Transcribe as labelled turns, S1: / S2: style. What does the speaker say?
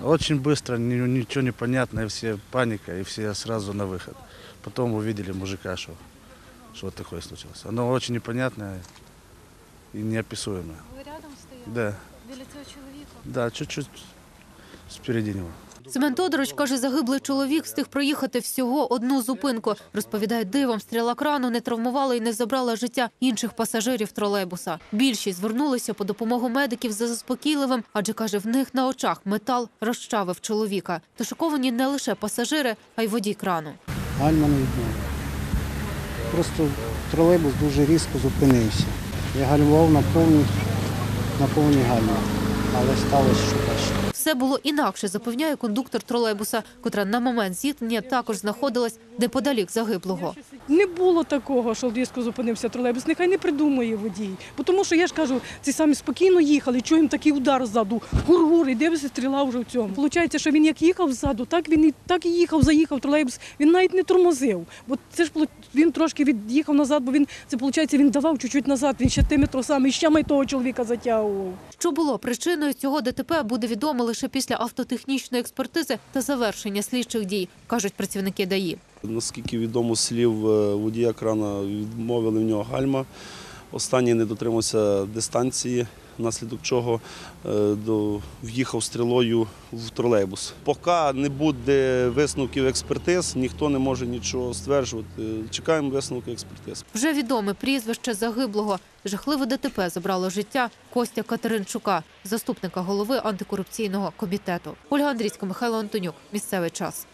S1: Очень быстро, ничего не понятно, и все паника, и все сразу на выход. Потом увидели мужика, что вот такое случилось. Оно очень непонятное и неописуемое.
S2: Ви рядом стояли?
S1: Да,
S2: Біля цього чоловіка?
S1: да, чуть-чуть спереди него.
S3: Семен Тодорович каже, загиблий чоловік встиг проїхати всього одну зупинку. Розповідає, дивом стріла крану не травмувала і не забрала життя інших пасажирів тролейбуса. Більшість звернулися по допомогу медиків за заспокійливим, адже, каже, в них на очах метал розчавив чоловіка. Та шоковані не лише пасажири, а й водій крану.
S4: Гальма не відмовила. Просто тролейбус дуже різко зупинився. Я гальмував на повній гальмі, але сталося, що бачите.
S3: Все було інакше, запевняє кондуктор тролейбуса, котра на момент зіткнення також знаходилась неподалік загиблого.
S5: Не було такого, що різко зупинився тролейбус. Нехай не придумує водій. Бо тому що, я ж кажу, ці самі спокійно їхали, чуємо такий удар ззаду, гур-гур, і дивишся, стріла вже в цьому. Получається, що він як їхав ззаду, так і їхав, заїхав тролейбус. Він навіть не тормозив. Бо це ж він трошки від'їхав назад, бо він давав чуть-чуть назад, він ще тими тросами, і ще май того чоловіка затягував.
S3: Що було причиною цього ДТП, буде відомо лише після автотехнічної експертизи та завершення слідчих дій, кажуть працівники ДАІ.
S6: Наскільки відомо з слів водія крана, відмовили в нього гальма. Останній не дотримався дистанції, внаслідок чого в'їхав стрілою в тролейбус. Поки не буде висновків експертиз, ніхто не може нічого стверджувати. Чекаємо висновки експертиз.
S3: Вже відоме прізвище загиблого. Жахливе ДТП забрало життя Костя Катеринчука, заступника голови антикорупційного комітету. Ольга Андрійська, Михайло Антонюк. Місцевий час.